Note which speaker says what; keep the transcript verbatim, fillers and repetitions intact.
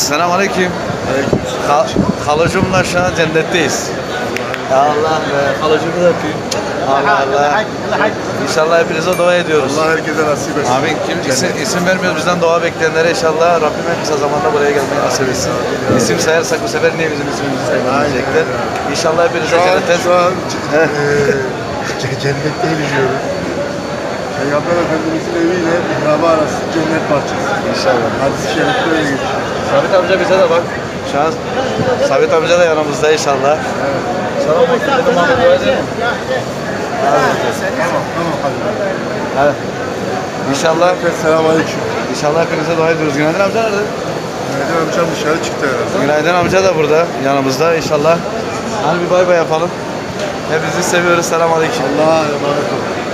Speaker 1: Selamünaleyküm. Kal Halacımla şu an cennetteyiz. Ya Allah be, halacımı da öpeyim. Allah Allah. İnşallah hepinize dua ediyoruz.
Speaker 2: Allah herkese nasip etsin.
Speaker 1: Amin. Kim isim, isim vermiyoruz bizden dua bekleyenlere inşallah Rabbim en kısa zamanda buraya gelmeyi nasip etsin. İsim sayarsak bu sefer niye bizim ismimizi saymayacaklar? İnşallah hepinize
Speaker 2: Şu an,
Speaker 1: cennete...
Speaker 2: şu an e, cennetteyiz diyoruz. Peygamber Efendimiz'in eviyle mihrabı arası cennet bahçesi.
Speaker 1: İnşallah.
Speaker 2: Hadis-i şerifte öyle geçiyor.
Speaker 1: Sabit amca bize de bak. Şu an Sabit amca da yanımızda inşallah.
Speaker 2: Evet.
Speaker 1: Selamünaleyküm. Dedim Ahmet dua edelim mi?
Speaker 2: Tamam, tamam hadi.
Speaker 1: Evet. İnşallah,
Speaker 2: Selamünaleyküm.
Speaker 1: inşallah hepinize dua ediyoruz. Günaydın amca nerede?
Speaker 2: Mehmet amcam dışarı çıktı herhalde.
Speaker 1: Günaydın amca da burada yanımızda inşallah. Hadi bir bay bay yapalım. Hepinizi seviyoruz. Selamünaleyküm.
Speaker 2: Allah'a emanet olun.